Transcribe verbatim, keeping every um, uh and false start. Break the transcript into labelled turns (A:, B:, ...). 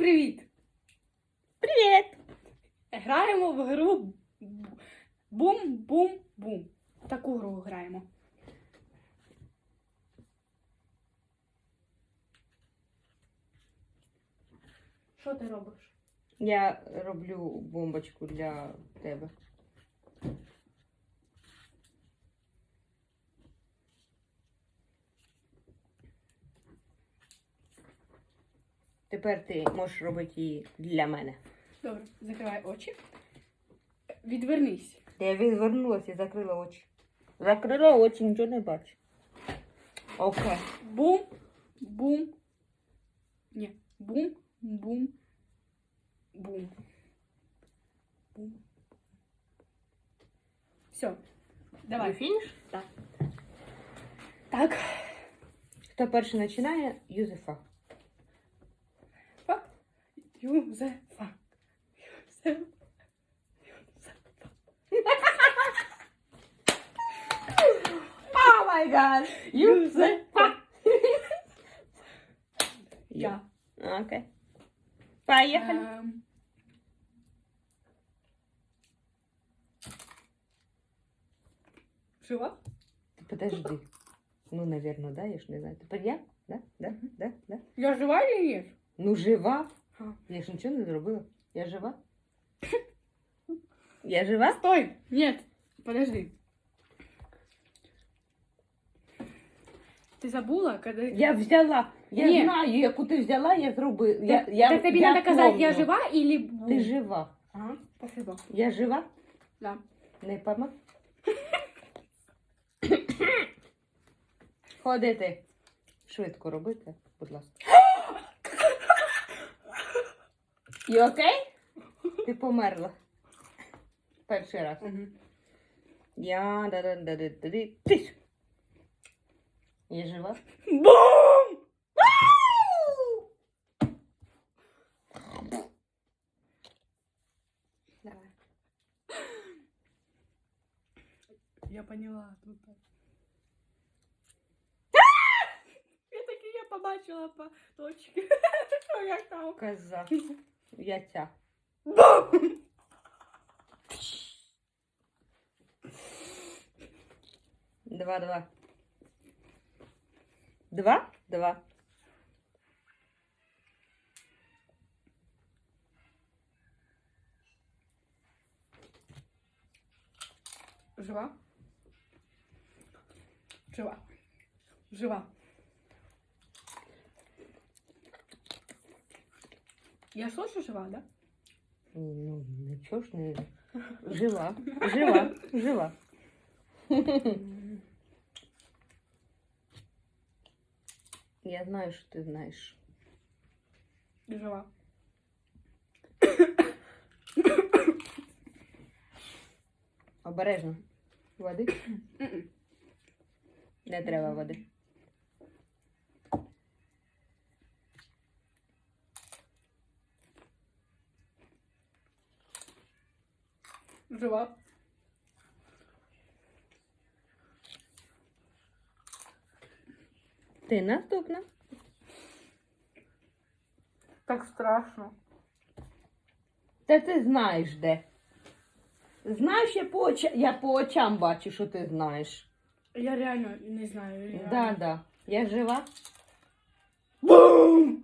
A: привіт!
B: Привіт!
A: Граємо в гру Бум-Бум-Бум. Таку гру граємо. Що ти робиш?
B: Я роблю бомбочку для тебе. Тепер ти можеш робити її для мене.
A: Добре, закривай очі. Відвернись.
B: Я відвернулася і закрила очі. Закрила очі, нічого не бачу. Окей.
A: Бум, бум. Ні. Бум, бум, бум. Бум. Все. Давай.
B: Фініш?
A: Так. Так.
B: Хто перший починає? Юзефа.
A: Фа. Юзефа. Юзефа. Юзефа.
B: О май гад!
A: Юзефа.
B: Я. Окей. Поїхали.
A: Ем. Жива?
B: Подожди. Ну, наверное, да, я ж не знаю. Тепер я? Да? Да? Да? Да?
A: Я жива или нет?
B: Ну, жива.
A: А.
B: Я ж нічого не зробила. Я жива? Я жива?
A: Стой! Нет, подожди. Ты забула, когда...
B: Я взяла. Я
A: Ні.
B: знаю, яку ти взяла, я зробила.
A: Так,
B: Я, я,
A: так тебе
B: я
A: надо сказать, я
B: помню.
A: жива или... бу?
B: Ти жива.
A: Ага, спасибо.
B: Я жива?
A: Да.
B: Не помог? Ходити. Швидко робити, будь ласка. І окей? Ти померла. Перший раз.
A: Угу.
B: Я да да да да да да Тиш. Я жива?
A: Бум! Давай. Я поняла. Тут. Я таки я побачила по точці. Що як там?
B: Коза. Я ця.
A: Бум!
B: Два, два. Два? Два.
A: Жива? Жива. Жива. Я слышу жива, да?
B: Ну, нічого ж не... Жива. Жива. Жива. Я знаю, що ти знаєш.
A: Жива.
B: Обережно. Води? Не треба води.
A: Жива.
B: Ти наступна.
A: Так страшно.
B: Та ти знаєш де. Знаєш, я по, оча... я по очам бачу, що ти знаєш.
A: Я реально не знаю.
B: Так,
A: Реально.
B: да, да. Я жива?
A: Бум!